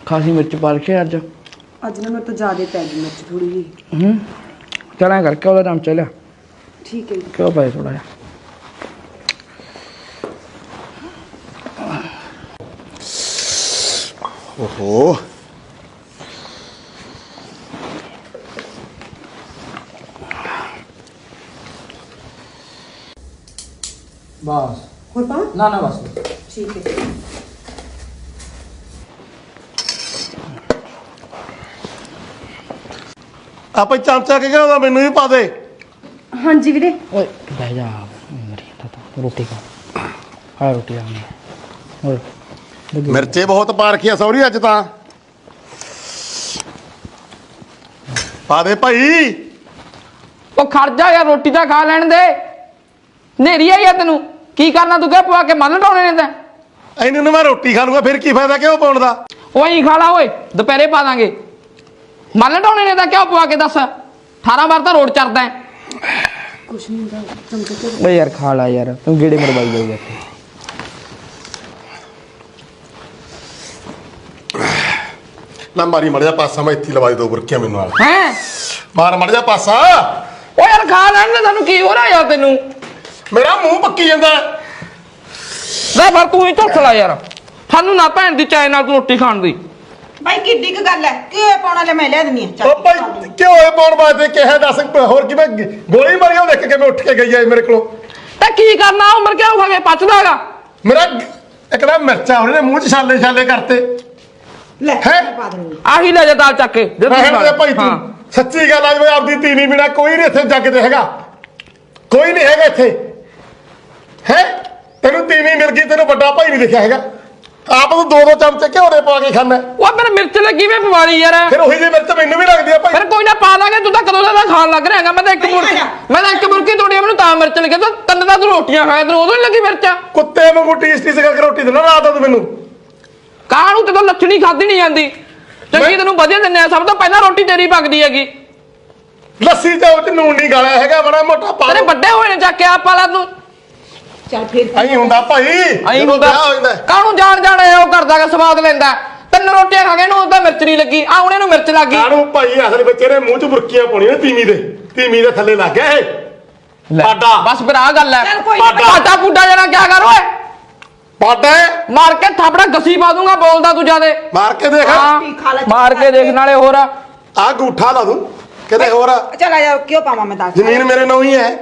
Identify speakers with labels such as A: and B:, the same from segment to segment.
A: खासी मिर्च पा रखी है अज
B: ना मेरे तो ज्यादा पै गई मिर्च थोड़ी जी।
A: चल ऐ करके ओह्दा नाम चलिया
B: ठीक है
A: क्यों पाए थोड़ा जा
C: ओहो
A: बस
B: और पा
A: ना ना बस
B: ठीक है।
C: आप चमचा के क्या मैनू भी पा दे।
B: हाँ जी वीरे।
A: ओए बह जा मेरी तो रोटी खा खा रोटी आ और
C: मिर्चे बहुत पा रखी है सौरी अज ता पा दे भाई।
A: ओ खड़ जा यार रोटी तो खा लैन दे नेरी आई है तेनू की करना तू क्या पवा के मन ढाने ने ते
C: इन्हें मैं रोटी खा लूंगा फिर की फायदा क्यों पाउण दा।
A: ओए खा ला ओए दोपहरे पा देंगे मन ढाने ने तो क्या पवा के दस 18 बार तो रोड चढ़दा है
B: कुछ नहीं होता चमचे से।
A: ओ यार खा ला यार तू गेड़े मरवाई जाई जाते
C: ना मारी मर जा पासा मैं इत्थे लवा दे दो बुरकियां मैनू नाल
A: हैं
C: मार मर जा पासा।
A: ओ यार खा लैन दे तैनू की हो रहा यार तेनू
C: मेरा मुंह पक्की जांदा
A: ले फिर तू ही झुठ ला यार सानू ना भैन दी चाय नाल तू रोटी खाण दी
D: भाई किड्डी क गल है कि पाउणा ले मैं ले दिनी है।
C: ओ भाई क्यों होए पाउण वास्ते किहा दस होर कि मैं गोली मारी देख के मैं उठ के गई है मेरे को
A: ते की करना उम्र क्या खा के पचदागा
C: मेरा एकदम मिर्चा उन्होंने मुंह च छाले छाले करते
D: ले
C: हैं?
D: पा दूंगी
A: आही ले जा दाल चक के दे तू
C: रहण दे भाई तू
A: हाँ।
C: सच्ची गल आज मैं आपदी तीनी बिना कोई नहीं इत्थे जग ते हैगा कोई नहीं हैगा इत्थे है तेनू तीनी मिल गई तेनू बड़ा भाई नहीं दिखा हैगा आप तो दो दो चमचे घ्यो दे पा के खाना
A: ਉਹ ਮੇਰੇ ਮਿਰਚ ਲੱਗੀ ਵੇ ਪਵਾਲੀ ਯਾਰ
C: फिर ਉਹੀ ਜਿਹੀ ਮਿਰਚ ਮੈਨੂੰ ਵੀ ਲੱਗਦੀ ਆ ਭਾਈ।
A: ਫਿਰ ਕੋਈ ਨਾ ਪਾ ਦਾਂਗੇ ਤੂੰ ਤਾਂ ਕਦੋਂ ਦਾ ਖਾਣ ਲੱਗ ਰਿਹਾ ਹੈਗਾ ਮੈਂ ਤਾਂ ਇੱਕ ਮੁਰਕੀ ਤੋੜੀ ਮੈਨੂੰ ਤਾਂ ਮਿਰਚ ਲੱਗੀ ਤਾਂ ਤੰਨ ਦਾ ਤੂੰ ਰੋਟੀਆਂ ਖਾਇਆ ਤੈਨੂੰ ਉਦੋਂ ਹੀ ਲੱਗੀ ਮਿਰਚ
C: ਕੁੱਤੇ ਵਾਂਗੂ ਟੀਸਟੀ ਸਿਕਾ ਕੇ ਰੋਟੀ ਦੇਣਾ ਰਾਤ ਨੂੰ ਮੈਨੂੰ
A: ਕਾਹਨੂੰ ਤੇ ਤਾਂ ਲੱਛਣੀ ਖਾਦੀ ਨਹੀਂ ਜਾਂਦੀ ਚੰਗੀ ਤੈਨੂੰ ਵਧੀਆ ਦਿੰਨੇ ਆ ਸਭ ਤੋਂ ਪਹਿਲਾਂ ਰੋਟੀ ਤੇਰੀ ਪੱਕਦੀ ਹੈਗੀ
C: ਲੱਸੀ ਤੇ ਉਹ ਚ ਨੂਣ ਨਹੀਂ ਗਾਲਿਆ ਹੈਗਾ ਬੜਾ ਮੋਟਾ ਪਾ
A: ਤੇਰੇ ਵੱਡੇ ਹੋਏ ਨੇ ਚੱਕ ਕੇ ਆ ਪਾਲਾ ਤੂੰ
D: चल फिर
C: ਐਂ ਹੁੰਦਾ ਭਾਈ
A: ਐਂ
C: ਜਦੋਂ
A: ਹੁੰਦਾ
C: ਵਿਆਹ ਹੋ ਜਾਂਦਾ
A: ਕਾਹਨੂੰ ਜਾਣ ਜਾਣ ਉਹ ਕਰਦਾ ਕਿ ਸਵਾਦ ਲੈਂਦਾ ਤਿੰਨ ਰੋਟੀਆਂ ਖਾ ਕੇ ਨੂੰ ਉਹਦਾ ਮਿਰਚ ਨਹੀਂ ਲੱਗੀ ਆ ਉਹਨੇ ਨੂੰ ਮਿਰਚ ਲੱਗ ਗਈ
C: ਕਾਹਨੂੰ ਭਾਈ ਅਸਲ ਵਿੱਚ ਇਹਦੇ ਮੂੰਹ ਚ ਬੁਰਕੀਆਂ ਪਾਉਣੀਆਂ ਨੇ ਤੀਮੀ ਦੇ ਥੱਲੇ ਲੱਗ ਗਿਆ ਇਹ ਪਾਡਾ
A: ਬਸ ਫਿਰ ਆ ਗੱਲ ਹੈ
D: ਚੱਲ ਕੋਈ
C: ਨਾ।
A: ਪਾਡਾ ਪੁੱਡਾ ਜਣਾ ਕੀ ਕਰ ਓਏ
C: ਪਾਡਾ
A: ਮਾਰ ਕੇ ਥਾਪੜਾ ਗਸੀ ਪਾ ਦੂੰਗਾ ਬੋਲਦਾ ਤੂੰ ਜਿਆਦੇ
C: ਮਾਰ ਕੇ ਦੇਖ
A: ਹਾਂ
D: खा ले
A: ਮਾਰ ਕੇ ਦੇਖ ਨਾਲੇ ਹੋਰ
C: ਆ ਗੂਠਾ ਲਾ ਦੂੰ ਕਿਤੇ ਹੋਰ
D: चल आ जाओ क्यों पावा मैं दाल
C: ਜ਼ਮੀਨ ਮੇਰੇ ਨਾਂ ਹੀ ਹੈ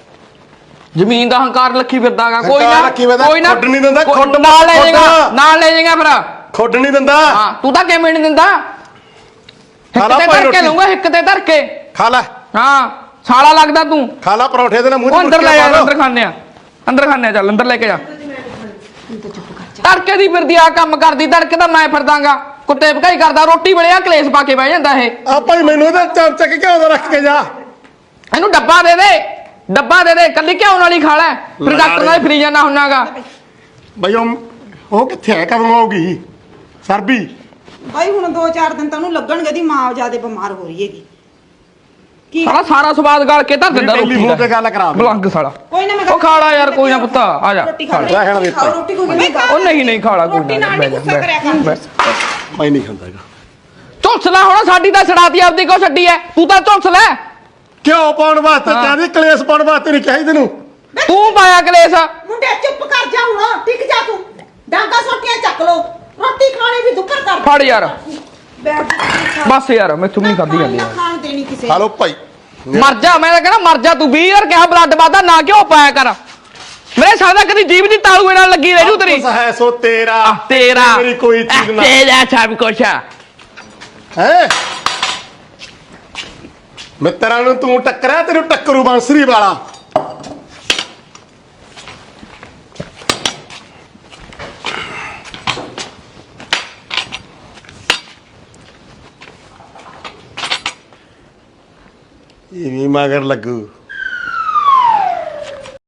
A: ਜ਼ਮੀਨ ਦਾ ਹੰਕਾਰ ਲੱਖੀ ਫਿਰਦਾਗਾ ਕੋਈ
C: ਹੰਕਾਰ
A: ਨਾ
C: ਰੱਖੀ ਫਿਰਦਾ,
A: ਕੋਈ ਨਾ
C: ਖੁੱਡ ਨਹੀਂ ਦਿੰਦਾ, ਖੁੱਡ
A: ਨਾਲ ਲੈ
C: ਖੁੱਡ।
A: ਜਾਏਗਾ ਨਾਲ ਲੈ ਜਾਏਗਾ ਫਿਰ
C: ਖੁੱਡ ਨਹੀਂ ਦਿੰਦਾ
A: ਹਾਂ ਤੂੰ ਤਾਂ ਕਿਵੇਂ ਨਹੀਂ ਦਿੰਦਾ
C: ਖਾ
A: ਇੱਕ
C: ਲਾ
A: ਤੇ
C: ਭਾਈ
A: ਧਰ ਕੇ
C: ਰੋਟੀ।
A: ਲਊਂਗਾ ਇੱਕ ਤੇ ਧਰ ਕੇ
C: ਖਾ ਲੈ
A: ਹਾਂ ਸਾਲਾ ਲੱਗਦਾ ਤੂੰ
C: ਖਾ ਲੈ ਪਰੌਂਠੇ ਦੇ ਨਾਲ ਮੂੰਹ ਚ
A: ਉਹ ਅੰਦਰ ਲੈ
C: ਬੁਰਕੀਆਂ
A: ਜਾ
C: ਪਾ
A: ਅੰਦਰ ਖਾਣੇ ਆ ਅੰਦਰ ਖਾਣੇ ਆ ਚੱਲ ਅੰਦਰ ਲੈ ਕੇ ਜਾ
D: तो चुप कर जा
A: ਤੜਕੇ ਦੀ ਫਿਰਦੀ ਆ ਕੰਮ ਕਰਦੀ ਤੜਕੇ ਤਾਂ ਮੈਂ ਫਿਰਦਾਗਾ ਕੁੱਤੇ ਭਕਾਈ ਕਰਦਾ ਰੋਟੀ ਵੇਲੇ ਕਲੇਸ਼ ਪਾ ਕੇ ਬਹਿ ਜਾਂਦਾ ਇਹ
C: ਆ ਭਾਈ ਮੈਨੂੰ ਇਹਦਾ ਚਮਚਾ ਕਿ ਘਿਓ ਦਾ ਰੱਖ ਕੇ ਜਾ
A: ਇਹਨੂੰ ਡੱਬਾ ਦੇ ਦੇ ਕੱਲੀ ਘਿਓ ਨਾਲ ਹੀ ਖਾ ਲੈ ਫਿਰ ਡਾਕਟਰ ਨਾਲ ਫਰੀ ਜਾਣਾ ਹੁੰਨਾਗਾ
C: ਬਈ ਉਹ ਕਿੱਥੇ ਹੈ ਕਦੋਂ ਆਉਗੀ ਸਰਬੀ
D: भाई हुन 2-4 दिन तनु लगणगे दी मां ज्यादा बीमार हो रही हैगी की
A: ਸਾਲਾ ਸਾਰਾ ਸਵਾਦ ਗਾਲ ਕੇ ਧਰ ਦਿੰਦਾ ਰੋਟੀ
C: ਟੈਲੀਫੋਨ ਤੇ
A: ਦਾ
C: ਗੱਲ ਕਰਾ ਦੇ।
A: ਬਲੰਗ ਸਾਲਾ
D: कोई ना मैं
A: ਉਹ ਖਾ ਲਾ ਯਾਰ ਕੋਈ ਨਾ ਪੁੱਤਾ ਆ ਜਾ
D: रोटी खा ले
C: रहण दे
D: खाओ रोटी को नहीं खा
A: ਉਹ ਨਹੀਂ ਖਾ ਲਾ ਕੋਈ
D: रोटी
A: ਨਾ
D: नाल
A: ਬਹਿ
D: नहीं
A: ਜਾ
D: गुस्सा करया कर
C: ਮੈਂ ਨਹੀਂ ਖਾਂਦਾ ਹੈਗਾ
A: ਝੁਲਸਲਾ ਹੁਣ ਸਾਡੀ ਤਾਂ ਛੜਾਤੀ ਆਪਦੀ ਕੋ ਛੱਡੀ ਐ ਤੂੰ ਤਾਂ ਝੁਲਸ ਲੈ
C: ਘਿਓ ਪਾਉਣ ਵਾਸਤੇ
A: ਹਾਂ।
C: ਚਾਹਦੀ ਕਲੇਸ਼ ਪਾਉਣ ਵਾਸਤੇ ਨਹੀਂ ਚਾਹੀਦੀ ਤੈਨੂੰ
A: ਤੂੰ ਪਾਇਆ ਕਲੇਸ਼
D: मुंडे चुप कर जा हुन टिक जा तू डांगा सोटियां चक लो रोटी खानी भी दुकर कर
A: ਫੜ ਯਾਰ
D: बैठ
A: ਬਸ ਯਾਰ ਮੈਥੋਂ ਨਹੀਂ ਖਾਦੀ ਜਾਂਦੀ ਯਾਰ
D: खान देनी किसे
C: ਖਾ ਲੋ ਭਾਈ
A: ਮਰ ਜਾ ਮੈਂ ਤਾਂ ਕਹਿੰਦਾ ਮਰ ਜਾ ਤੂੰ 20 ਯਾਰ ਕਿਹਾ ਬਲੱਡ ਵਾਦਾ ਨਾ ਕਿਉਂ ਪਾਇਆ ਕਰ ਮੇਰੇ ਸਾਦਾ ਕਦੀ ਜੀਭ ਦੀ ਤਾਲੂਏ ਨਾਲ ਲੱਗੀ ਰਹਿ ਜੂ ਤੇਰੀ
C: ਕੁਛ ਹੈ ਸੋ ਤੇਰਾ
A: ਤੇਰਾ
C: ਮੇਰੀ ਕੋਈ ਚੀਜ਼ ਨਾ
A: ਤੇਰਾ ਸਭ ਕੁਛ ਆ
C: ਹੈ ਮਿੱਤਰਾਂ ਨੂੰ ਤੂੰ ਟੱਕਰਿਆ ਤੈਨੂੰ ਟੱਕਰੂ ਬਾਂਸਰੀ ਵਾਲਾ ਇਹ ਵੀ ਮਗਰ ਲੱਗੂ